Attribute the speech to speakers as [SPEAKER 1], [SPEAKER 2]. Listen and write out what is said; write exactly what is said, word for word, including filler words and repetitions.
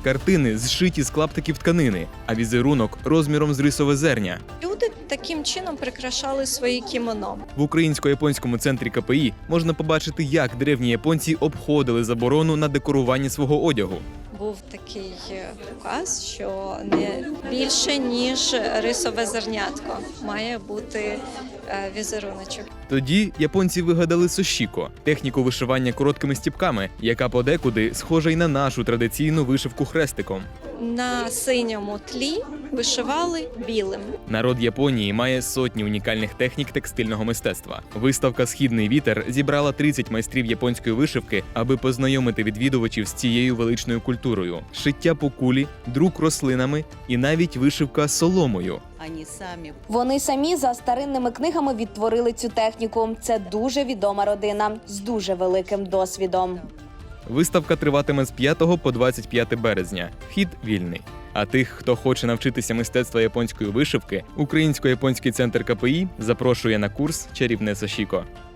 [SPEAKER 1] Картини зшиті з клаптиків тканини, а візерунок розміром з рисове зерня.
[SPEAKER 2] Люди таким чином прикрашали свої кімоно.
[SPEAKER 1] В українсько-японському центрі ка пе і можна побачити, як древні японці обходили заборону на декорування свого одягу.
[SPEAKER 2] Був такий указ, що не більше, ніж рисове зернятко має бути візеруночок.
[SPEAKER 1] Тоді японці вигадали сошіко – техніку вишивання короткими стіпками, яка подекуди схожа й на нашу традиційну вишивку хрестиком.
[SPEAKER 2] На синьому тлі вишивали білим.
[SPEAKER 1] Народ Японії має сотні унікальних технік текстильного мистецтва. Виставка «Східний вітер» зібрала тридцять майстрів японської вишивки, аби познайомити відвідувачів з цією величною культурою. Шиття по кулі, друк рослинами і навіть вишивка соломою.
[SPEAKER 3] Вони самі за старинними книгами відтворили цю техніку. Це дуже відома родина з дуже великим досвідом.
[SPEAKER 1] Виставка триватиме з п'ятого по двадцять п'яте березня. Вхід вільний. А тих, хто хоче навчитися мистецтва японської вишивки, Українсько-японський центр ка пе і запрошує на курс «Чарівне сошіко».